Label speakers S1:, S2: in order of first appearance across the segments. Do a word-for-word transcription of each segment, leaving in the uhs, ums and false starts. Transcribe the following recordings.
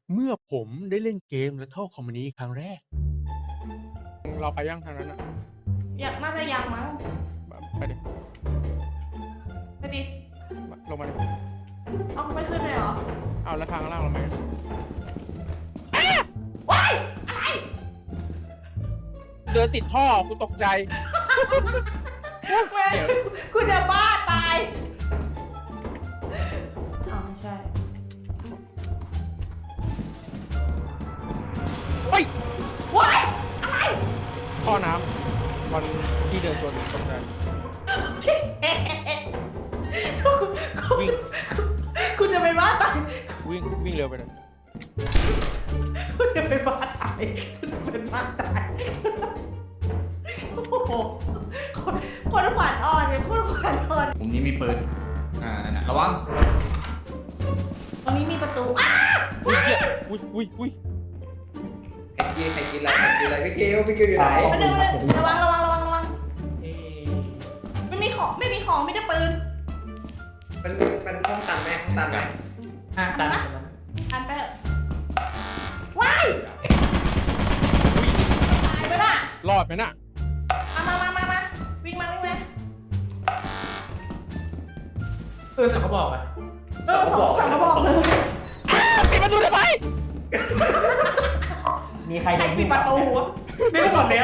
S1: เมื่อผมได้เล่นเกมและเข้าคอมมูนิตี้ครั้งแรก เราไปยังทางนั้นอะ
S2: อยากน่าจะยังมั้ง
S1: ไปดิ
S2: ไปดิ
S1: ลงมาดิ
S2: เอาไม่ขึ้นเลยเหรอ
S1: เอาแล้วทางข้างล่างเราไหม
S2: ว้ายอะไร
S1: เดินติดท่อกูตกใจ
S2: แม่คุณจะบ้าตายอ้าวไม่ใช่
S1: เฮ้ย
S2: ว้ายอะไร
S1: ท่อน้ำมันที่เดินชนตกใจ
S2: คุณคุณ
S1: วิ่ง
S2: คุณจะเป็นบ้าตาย
S1: วิ่งวิ่งเร็วไปเลย
S2: คุณจะเป็นบ้าตายคุณจะเป็นบ้าตายโอ้โหคนคนขวัญอ่อนเนี่ยคนขวัญอ่อน
S3: มุมนี้มีปืน อ่านั่นน่ะระวัง
S2: ตรงนี้มีประตูอ้า
S1: อุ้ยเหี้ยอุ้ยอุ้ยอุ้ย
S3: ใครกินใครกินอะไรใครกินอะไรพี่คิวพี่คิวอยู่ไหน
S2: ไปเดินไปเดินระวังระวังระวังระวังไม่มีของไม่มีของไม่ได้ปืน
S3: มันมันห้องตันไหมห้องตันไหม
S4: อ่ะตาม
S2: อันไปเถอะว้ายตายไปละ
S1: รอดไหมน่ะ
S2: มามามามาวิ่งมาวิ่งมา
S4: เออแต่เขาบอกอ่ะ
S2: เออสองสามกระบอกเลย
S1: ปิดประตูทำไม
S4: มีใคร
S2: ใครปิดประตูวะ
S4: นี่หมดแล้ว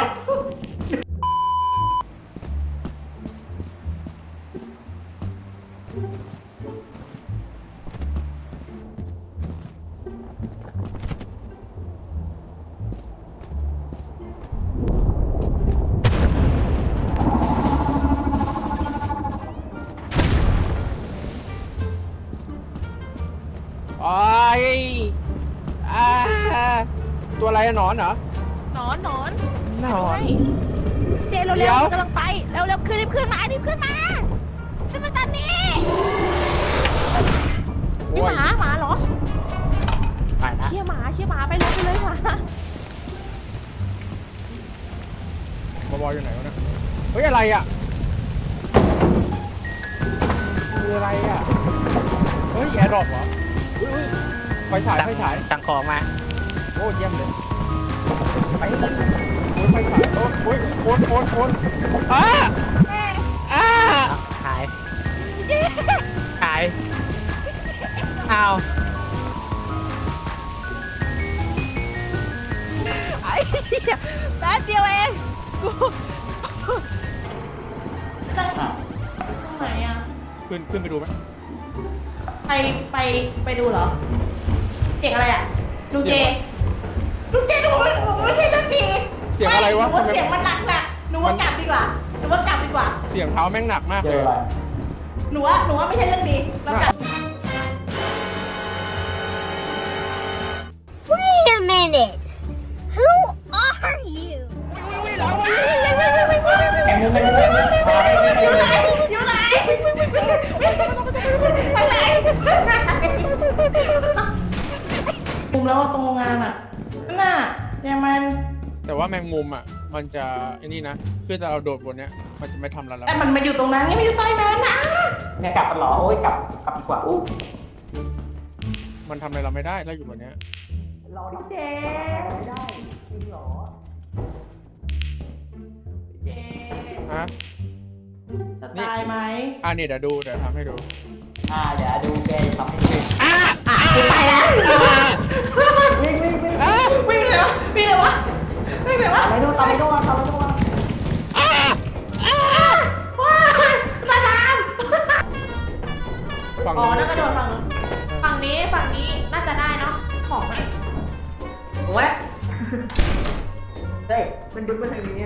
S1: โอ้ยอ่าตัวอะไรอะหนอนเหรอ
S2: หนอนหนอน
S1: หนอน
S5: เจเร็ว
S1: เดี๋
S5: เร็
S1: ยว ว
S5: กำลังไปเร็วเร็วขึ้นรีบขึ้นมารีบขึ้นมาขึ้นมาตอนนี้
S2: มีหมาหมาเหรอ
S4: ไปละ
S2: เชี่ยหมาเชี่ยหมาไปเลยไปเลยหมา
S1: บอบอยอยู่ไหนวะเนี่ยเฮ้ยอะไรอ่ะคืออะไรอ่ะเฮ้ยแอร์ดรอปเหรออุ้ยอุ้ยไฟฉายไฟฉาย
S4: สั่งของมา
S1: โอ้เยี่ยมเลยไฟโอ้ยไฟฉายโอ้ยโอ้ยโคนโคนโคนอ้าอ้า
S4: หายหายอ้าว
S5: ไอ้เหี้ยแป๊บเดียวเองกู
S2: ตั้งตรงไหนอ่ะ
S1: ขึ้นขึ้นไปดูไหม
S2: ไปไปไปดูเหรอเสียงอะไรอ่ะลุงเจลุงเจดูมันไม่ใช่เรื่องผี
S1: เสียงอะไรวะ
S2: หนูว่าเสียงมันหนักหนักหนูว่ากลับดีกว่าหนูว่ากลับดีกว่า
S1: เสียงเท้าแม่งหนักมากเลย
S2: หนูว่าหนูว่าไม่ใช่เรื่องดีเรากลับ
S5: Wait a minute Who are you
S4: แอมไม่ได้
S2: อยู่ไหนอยู่ไหนไปไหนมุมแล้วตรงโรงงานอ่ะนั่นน่ะยังมัน
S1: แต่ว่าแมงมุมอ่ะมันจะไอ้นี่นะคือแต่เราโดดบนเนี้ยมันจะไม่ทำเราแล้ว
S2: แต่มันมาอยู่ตรงนั้นไงมันอยู่ใต้นั้นนะ
S4: เนี่ยกลับกันเหรอโอ้ยกลับกลับดีกว่าอู้
S1: มันทำอะไรเราไม่ได้เราอยู่บนเนี้ย
S4: รอดิเจไม่ได้จริงเหรอ
S2: เจ
S1: ฮะ
S2: จะตายไหม
S1: อ่ะนี่เดี๋ยวดูเดี๋ยวทำให้ดู
S4: อ่าเดี๋ยวดูแกทำให้ดู
S1: อ่ะ
S2: อ่ะกูไปแล้ว
S4: วิ่งวิ่งวิ่ง
S1: อ่ะ
S2: วิ่งเลยวะวิ่งเลยวะวิ่งเลยวะ
S4: ตามไปดูตามไปดูตามไปดู
S1: อ่ะอ่ะ
S2: ว้ายตาดาม
S1: ฝั่ง
S2: อ๋อนั่นกระโดดฝั่งนู้นฝั่งนี้ฝั่งนี้น่าจะได้เนาะของมัน
S4: โอ้ยเฮ้ยมันดึงมาทางนี้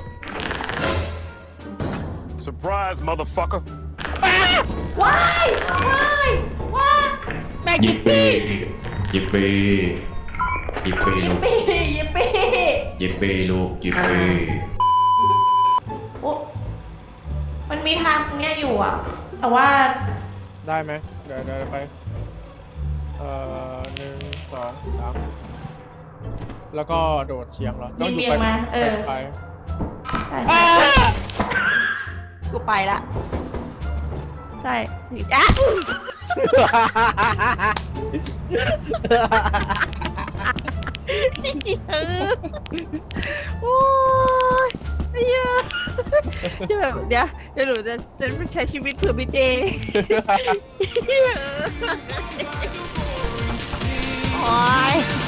S6: Surprise, motherfucker.
S2: ว้ายว้ายว้าย
S1: แม่ง
S7: ยิ
S1: ยิ
S7: ป
S1: ป
S7: ปี้
S1: ปี้
S7: ยิปปี้ยิปปี้
S2: ยิ
S7: ลู
S2: ป
S7: ก
S2: ปี้ยิปปี้
S7: ยิปปี้ลูกยิปปี้
S2: โอ้มันมีทางตรงเนี้ยอยู่อ่ะ แต่ว่า
S1: ได้ไหมเดี๋ยวเดี๋ยวไปเอ่อหนึ่งสองสามแล้วก็โดดเฉียงเหรอต้องอยู่
S2: เบี่ย
S1: ไป
S2: งมาเออ
S1: ไป
S2: ใช่
S1: อ่ะ
S5: กูไปละใช่สิอ่ะเออโอ้ยไอ้เหี้ยจะแบบเดี๋ยวเดี๋ยวหนูจะจะใช้ชีวิตเผื่อพี่เจโอ้ย